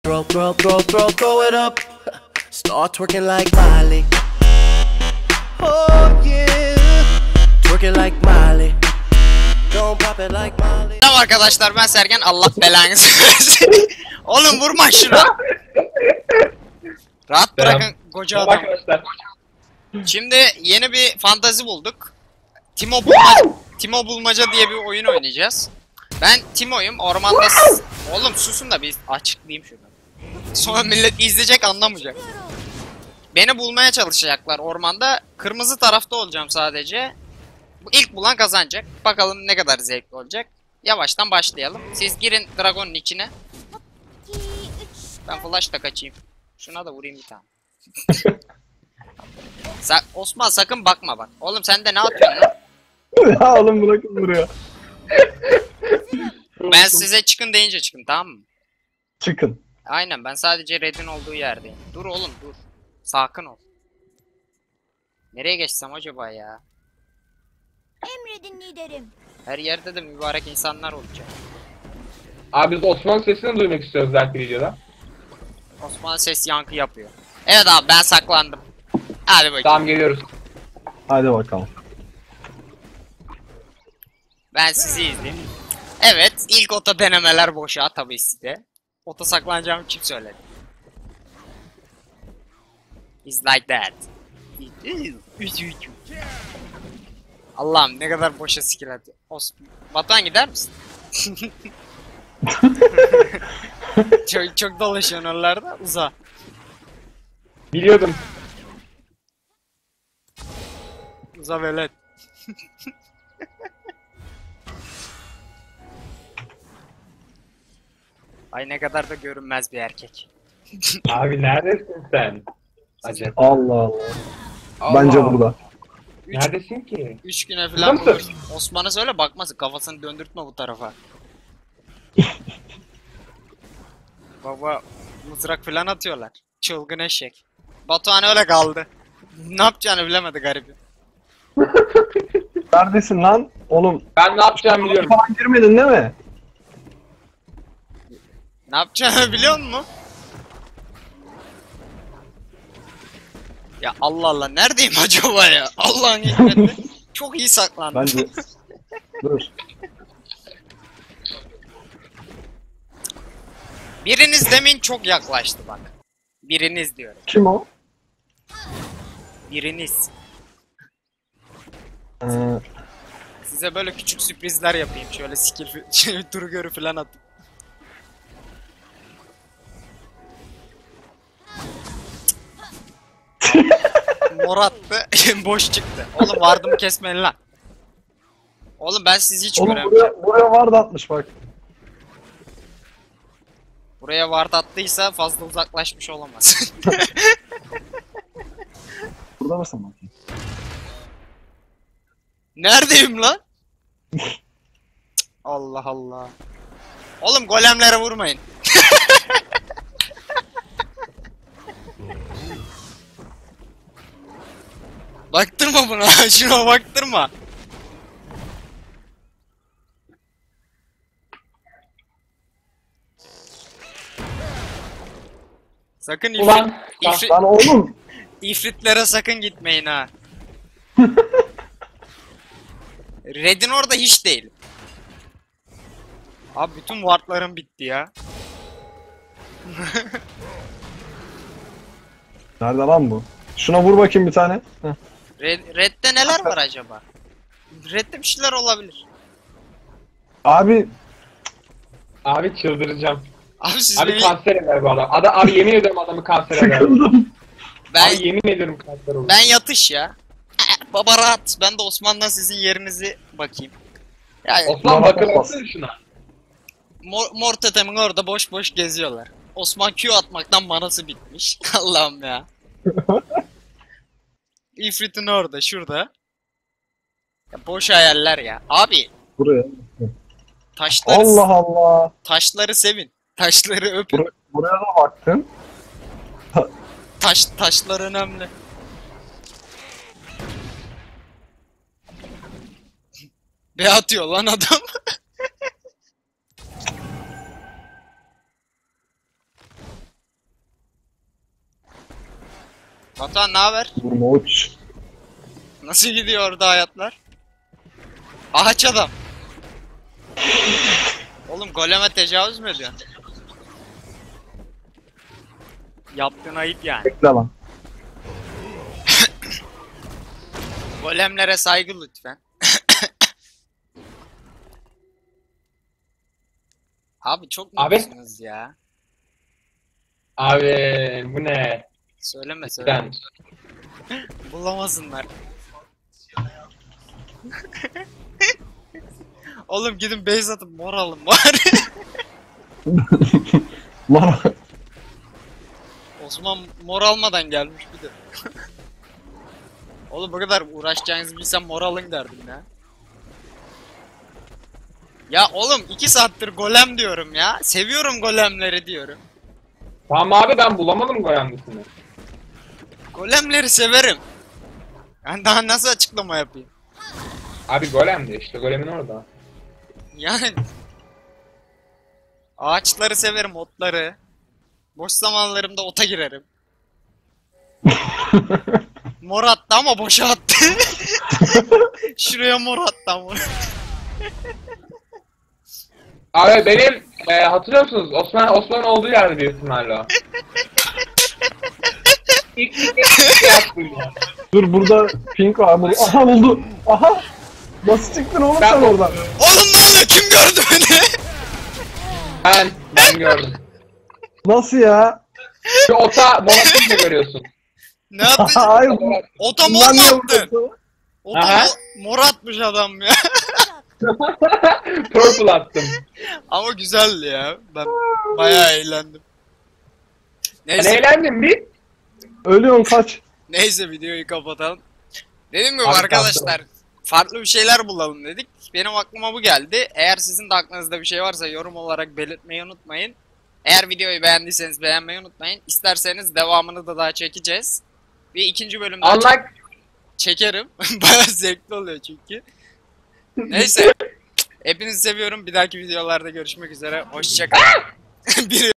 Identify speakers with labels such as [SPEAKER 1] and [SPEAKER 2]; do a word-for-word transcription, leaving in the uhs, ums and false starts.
[SPEAKER 1] Throw, throw, throw, throw, throw it up. Start twerking like Miley. Oh yeah. Twerking like Miley. Don't pop it like Miley.
[SPEAKER 2] Merhaba arkadaşlar, ben Sergen. Allah belanızı versin. Oğlum vurma şuna. Rahat bırakın koca adam. Şimdi yeni bir fantazi bulduk. Timo bulmaca, Timo bulmaca diye bir oyun oynayacağız. Ben Timo'yum. Ormanda s- Oğlum susun da bir açıklayayım şunu. Sonra millet izleyecek, anlamayacak. Beni bulmaya çalışacaklar ormanda. Kırmızı tarafta olacağım sadece. Bu ilk bulan kazanacak. Bakalım ne kadar zevkli olacak. Yavaştan başlayalım. Siz girin dragonun içine. Ben flash da kaçayım. Şuna da vurayım bir tane. Sa Osman sakın bakma bak. Oğlum sen de ne yapıyorsun lan?
[SPEAKER 3] Ya oğlum bırakın buraya.
[SPEAKER 2] Ben size çıkın deyince çıkın, tamam mı?
[SPEAKER 3] Çıkın.
[SPEAKER 2] Aynen, ben sadece Red'in olduğu yerdeyim. Dur oğlum dur. Sakin ol. Nereye geçsem acaba ya?
[SPEAKER 4] Emredin liderim.
[SPEAKER 2] Her yerde de mübarek insanlar olacak.
[SPEAKER 5] Abi biz Osman sesini duymak istiyoruz belki videoda.
[SPEAKER 2] Osman ses yankı yapıyor. Evet abi, ben saklandım. Hadi bakayım.
[SPEAKER 5] Tamam, geliyoruz.
[SPEAKER 3] Hadi bakalım.
[SPEAKER 2] Ben sizi izleyeyim. Evet, ilk ota denemeler boşa tabii size. Ota saklanacağımı kim söyledi? It's like that. Allah'ım ne kadar boşa skill atıyor. Osman. Batuhan gider misin? çok çok dolaşıyorsun oralarda, uza.
[SPEAKER 5] Biliyordum.
[SPEAKER 2] Uza velet. Ay ne kadar da görünmez bir erkek.
[SPEAKER 5] Abi neredesin sen? Acaba.
[SPEAKER 3] Allah Allah.
[SPEAKER 5] Allah.
[SPEAKER 3] Bence burada.
[SPEAKER 2] Üç,
[SPEAKER 5] Neredesin ki?
[SPEAKER 2] üç güne falan
[SPEAKER 5] Burada
[SPEAKER 2] bulur.
[SPEAKER 5] mısın?
[SPEAKER 2] Osman'a söyle bakmasın, kafasını döndürtme bu tarafa. Baba mızrak falan atıyorlar. Çılgın eşek. Batuhan öyle kaldı. Ne yapacağını bilemedi garibim.
[SPEAKER 3] Neredesin lan? Oğlum
[SPEAKER 5] Ben ne yapacağımı biliyorum.
[SPEAKER 3] falan girmedin değil mi?
[SPEAKER 2] Ne yapacağını biliyor musun? Ya Allah Allah, neredeyim acaba ya? Allah'ın hikmeti. Çok iyi saklandım.
[SPEAKER 3] Bence. Dur.
[SPEAKER 2] Biriniz demin çok yaklaştı bak. Biriniz diyorum.
[SPEAKER 3] Kim o?
[SPEAKER 2] Biriniz.
[SPEAKER 3] Ee,
[SPEAKER 2] Size böyle küçük sürprizler yapayım. Şöyle skill fi- şey, duru görü falan atayım. Mor attı. Boş çıktı. Oğlum vardımı kesmeyin lan. Oğlum ben sizi hiç
[SPEAKER 3] oğlum
[SPEAKER 2] göremiyorum.
[SPEAKER 3] buraya, buraya var da atmış bak.
[SPEAKER 2] Buraya ward attıysa fazla uzaklaşmış olamaz.
[SPEAKER 3] Burada mısın bakayım?
[SPEAKER 2] Neredeyim lan? Allah Allah. Oğlum golemlere vurmayın. Baktırma buna. Şuna baktırma. Sakın ifrit,
[SPEAKER 5] Ulan,
[SPEAKER 2] ifrit,
[SPEAKER 3] Lan oğlum.
[SPEAKER 2] ifritlere sakın gitmeyin ha. Red'in orada hiç değil. Abi bütün wardlarım bitti ya.
[SPEAKER 3] Nerede lan bu? Şuna vur bakayım bir tane. Heh.
[SPEAKER 2] Red, Red'de neler var acaba? Red'de bir şeyler olabilir.
[SPEAKER 3] Abi
[SPEAKER 5] Abi çıldıracağım.
[SPEAKER 2] Abi siz
[SPEAKER 5] Abi
[SPEAKER 2] beni...
[SPEAKER 5] kanser eder bu adam. Adam abi yemin ediyorum adamı kanser eder.
[SPEAKER 3] sıkıldım.
[SPEAKER 2] Ben,
[SPEAKER 5] Abi yemin ediyorum kanser olur.
[SPEAKER 2] ben yatış ya. Baba rahat. Ben de Osman'dan sizin yerinizi bakayım. Yani
[SPEAKER 5] Osman
[SPEAKER 3] Bana
[SPEAKER 5] bakın
[SPEAKER 3] bakmaz.
[SPEAKER 5] bakın şuna.
[SPEAKER 2] mor, mor tetemin orada boş boş geziyorlar. Osman Q atmaktan manası bitmiş. Allah'ım ya. İfrit'in orada, şurada. Ya boş hayaller ya. Abi
[SPEAKER 3] Buraya.
[SPEAKER 2] taşları
[SPEAKER 3] Allah Allah.
[SPEAKER 2] taşları sevin. Taşları öpün.
[SPEAKER 3] Bur buraya da baktın.
[SPEAKER 2] Taş taşlar önemli. Be atıyor lan adam. Batuhan ne haber?
[SPEAKER 3] Vurma uç.
[SPEAKER 2] Nasıl gidiyor orada hayatlar? Ağaç adam. Oğlum goleme tecavüz mü ediyorsun? Yaptığın ayıp yani.
[SPEAKER 3] Bekle lan.
[SPEAKER 2] Golemlere saygı lütfen. Abi çok
[SPEAKER 5] Abi.
[SPEAKER 2] mutlusunuz ya.
[SPEAKER 5] Abi bu ne?
[SPEAKER 2] Söyleme söyleme.
[SPEAKER 5] Ben.
[SPEAKER 2] Bulamasınlar. Oğlum gidin base atıp mor alın bari.
[SPEAKER 3] Lan.
[SPEAKER 2] Osman mor almadan gelmiş bir de. Oğlum bu kadar uğraşacağınızı bilsem mor alın derdim ya. Ya oğlum iki saattir golem diyorum ya. Seviyorum golemleri diyorum.
[SPEAKER 5] Tamam abi ben bulamadım goyandısını.
[SPEAKER 2] Golemleri severim. Ben daha nasıl açıklama yapayım?
[SPEAKER 5] Abi golem de işte golemin orada.
[SPEAKER 2] Yani ağaçları severim, otları. Boş zamanlarımda ota girerim. Mor attı ama boşa attı. Şuraya mor attı ama.
[SPEAKER 5] Abi benim e, hatırlıyor musunuz? Osman Osman olduğu yerde büyük ihtimalle o. İlk ilk ilk yaptım ya.
[SPEAKER 3] Dur burada pink var. Burada. Aha buldu. Aha. Nasıl çıktın oğlum
[SPEAKER 5] Ben
[SPEAKER 3] sen
[SPEAKER 5] bu-
[SPEAKER 3] oradan?
[SPEAKER 2] Oğlum ne oluyor? Kim gördü beni?
[SPEAKER 5] Ben ben gördüm.
[SPEAKER 3] Nasıl ya?
[SPEAKER 5] Şu ota monatını görüyorsun.
[SPEAKER 2] Ne yaptın?
[SPEAKER 3] Hayır.
[SPEAKER 2] Ota mor
[SPEAKER 3] Bundan
[SPEAKER 2] mu
[SPEAKER 3] niye
[SPEAKER 2] attın?
[SPEAKER 3] vurdun?
[SPEAKER 2] Ota
[SPEAKER 5] Aha.
[SPEAKER 2] mo- mor atmış adam ya.
[SPEAKER 5] Purple attım.
[SPEAKER 2] Ama güzeldi ya. Ben bayağı eğlendim.
[SPEAKER 5] Ben
[SPEAKER 2] Neyse,
[SPEAKER 5] eğlendim bir.
[SPEAKER 3] Ölüyorsun kaç.
[SPEAKER 2] neyse videoyu kapatalım. Dediğim gibi
[SPEAKER 5] Abi,
[SPEAKER 2] arkadaşlar farklı bir şeyler bulalım dedik. Benim aklıma bu geldi. Eğer sizin de aklınızda bir şey varsa yorum olarak belirtmeyi unutmayın. Eğer videoyu beğendiyseniz beğenmeyi unutmayın. İsterseniz devamını da daha çekeceğiz. Bir ikinci bölümde
[SPEAKER 5] Unlike
[SPEAKER 2] çekerim. Bayağı zevkli oluyor çünkü. Neyse. Hepinizi seviyorum. Bir dahaki videolarda görüşmek üzere. Hoşçakalın. Bir